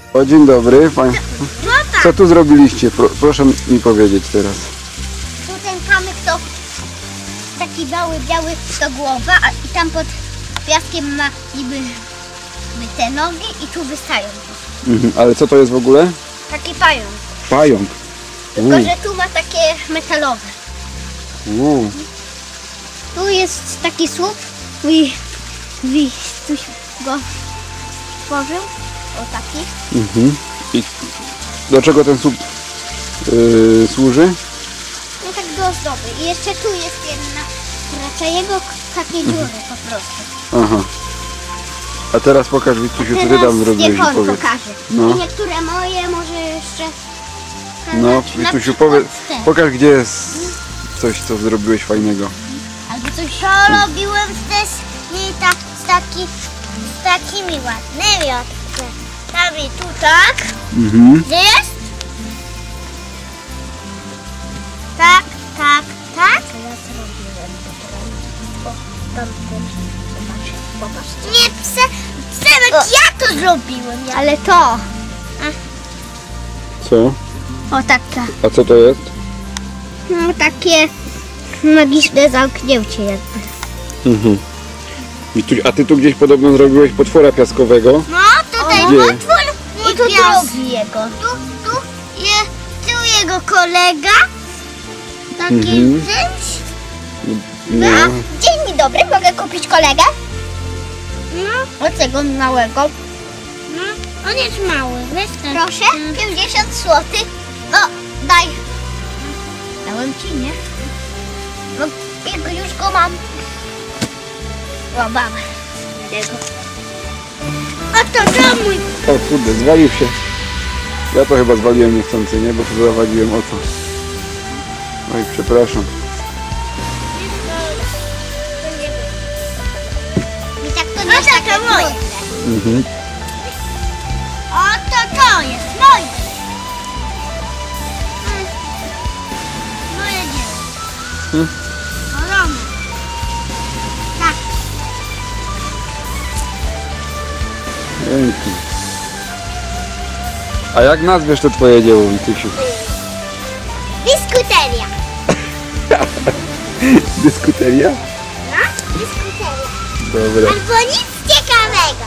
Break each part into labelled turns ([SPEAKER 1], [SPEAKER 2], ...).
[SPEAKER 1] O, dzień dobry.
[SPEAKER 2] No tak.
[SPEAKER 1] Co tu zrobiliście? Proszę mi powiedzieć teraz.
[SPEAKER 2] Tu ten kamyk to taki biały to głowa, i tam pod piaskiem ma niby te nogi i tu wystają.
[SPEAKER 1] Ale co to jest w ogóle?
[SPEAKER 2] Taki pająk.
[SPEAKER 1] Pająk.
[SPEAKER 2] Tylko, że tu ma takie metalowe. Tu jest taki słup. Tuś go stworzył. O taki.
[SPEAKER 1] I do czego ten słup służy?
[SPEAKER 2] No tak do ozdoby. I jeszcze tu jest jedna. Raczej jego takie dziury po prostu.
[SPEAKER 1] Aha. A teraz pokaż, Witusiu, co ty tam zrobiłeś i
[SPEAKER 2] niech on
[SPEAKER 1] powiedz.
[SPEAKER 2] pokaże.
[SPEAKER 1] No.
[SPEAKER 2] I niektóre moje może jeszcze...
[SPEAKER 1] No,
[SPEAKER 2] na
[SPEAKER 1] Witusiu,
[SPEAKER 2] przykład te.
[SPEAKER 1] pokaż, gdzie jest coś, co zrobiłeś fajnego.
[SPEAKER 2] Albo coś... To robiłem też z takimi ładnymi odkładami. Tu tak. Gdzie jest? Tak. Ja zrobiłem to. Popatrz. Nie, Przemek, ja to zrobiłem. Ale to.
[SPEAKER 1] Co?
[SPEAKER 2] O taka.
[SPEAKER 1] A co to jest?
[SPEAKER 2] No takie magiczne zamknięcie jakby.
[SPEAKER 1] Wituś, a ty tu gdzieś podobno zrobiłeś potwora piaskowego?
[SPEAKER 2] No tutaj
[SPEAKER 1] Gdzie?
[SPEAKER 2] potwór i tu drugi jego. Tu jego kolega. Taki czymś.
[SPEAKER 1] No.
[SPEAKER 2] Dzień dobry, mogę kupić kolegę? No. Od tego małego. No, on jest mały, wystarczy. Proszę, 50 zł. No, daj. Dałem ci, nie? No, już go mam. O, mam. A to mój.
[SPEAKER 1] O kurde, zwalił się. Ja to chyba zwaliłem niechcący, nie? Bo to zawaliłem o co. Oj, przepraszam.
[SPEAKER 2] I tak to nie jest takie moje. To jest moje. Moje dzieło. Korona. Tak.
[SPEAKER 1] Pięknie. A jak nazwiesz to twoje dzieło, Witusiu?
[SPEAKER 2] Dyskuteria.
[SPEAKER 1] Dyskuteria?
[SPEAKER 2] No, dyskuteria.
[SPEAKER 1] Dobra.
[SPEAKER 2] Albo nic ciekawego.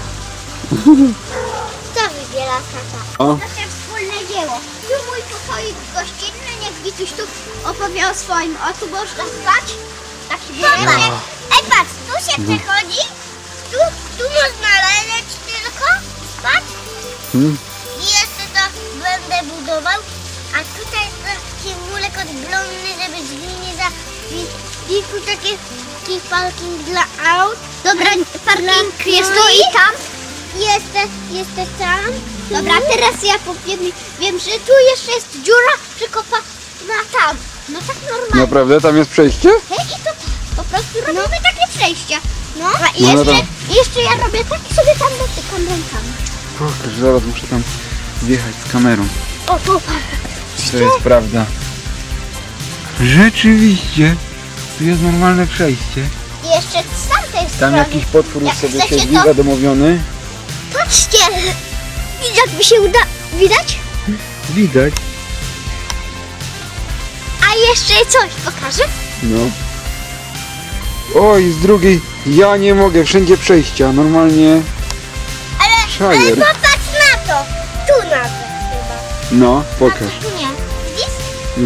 [SPEAKER 2] Co wybiera tata?
[SPEAKER 1] O.
[SPEAKER 2] Nasze wspólne dzieło. Tu mój pokoik gościnny, niech Wituś tu opowie o swoim. O, tu można spać. Taki budynek. Ej, patrz, tu się przechodzi. Tu można leżeć tylko, spać. I jeszcze to będę budował. A tutaj jest taki mulek odglądny, żeby drzwi nie I tu taki parking dla aut. Dobra, parking jest tu i tam. Jest tam. Dobra, teraz ja wiem, że tu jeszcze jest dziura przykopana tam. No tak normalnie.
[SPEAKER 1] Naprawdę? Tam jest przejście?
[SPEAKER 2] I to po prostu robimy takie przejścia. No, i
[SPEAKER 1] No, no
[SPEAKER 2] jeszcze ja robię tak i sobie tam dotykam rękami.
[SPEAKER 1] Pokaż, zaraz muszę tam wjechać z kamerą.
[SPEAKER 2] O, popatrz.
[SPEAKER 1] Czy to jest prawda? Rzeczywiście. Tu jest normalne przejście.
[SPEAKER 2] I jeszcze z tamtej
[SPEAKER 1] Tam
[SPEAKER 2] strony.
[SPEAKER 1] jakiś potwór
[SPEAKER 2] Jak
[SPEAKER 1] sobie
[SPEAKER 2] chcecie,
[SPEAKER 1] siedzi,
[SPEAKER 2] to-
[SPEAKER 1] zadomowiony.
[SPEAKER 2] Patrzcie! Jak mi się uda... Widać?
[SPEAKER 1] Widać.
[SPEAKER 2] A jeszcze coś pokażę?
[SPEAKER 1] No. Oj, z drugiej. Ja nie mogę, wszędzie przejścia. Normalnie.
[SPEAKER 2] Ale
[SPEAKER 1] Szajer.
[SPEAKER 2] popatrz na to! Tu nawet chyba.
[SPEAKER 1] No, pokaż.
[SPEAKER 2] A tu nie. Widzisz?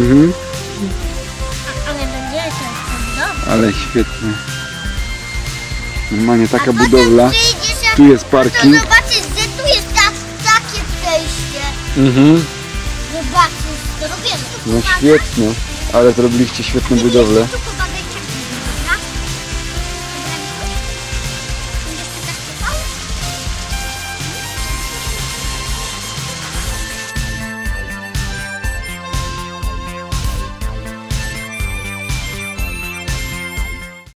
[SPEAKER 2] Ale będzie to
[SPEAKER 1] Ale świetnie. Normalnie taka
[SPEAKER 2] potem
[SPEAKER 1] budowla.
[SPEAKER 2] przyjdziesz,
[SPEAKER 1] Tu jest
[SPEAKER 2] to
[SPEAKER 1] parking.
[SPEAKER 2] zobaczysz, że tu jest takie przejście. Zobaczysz, to robię.
[SPEAKER 1] No świetnie. Ale zrobiliście świetną budowlę.
[SPEAKER 2] Tu chyba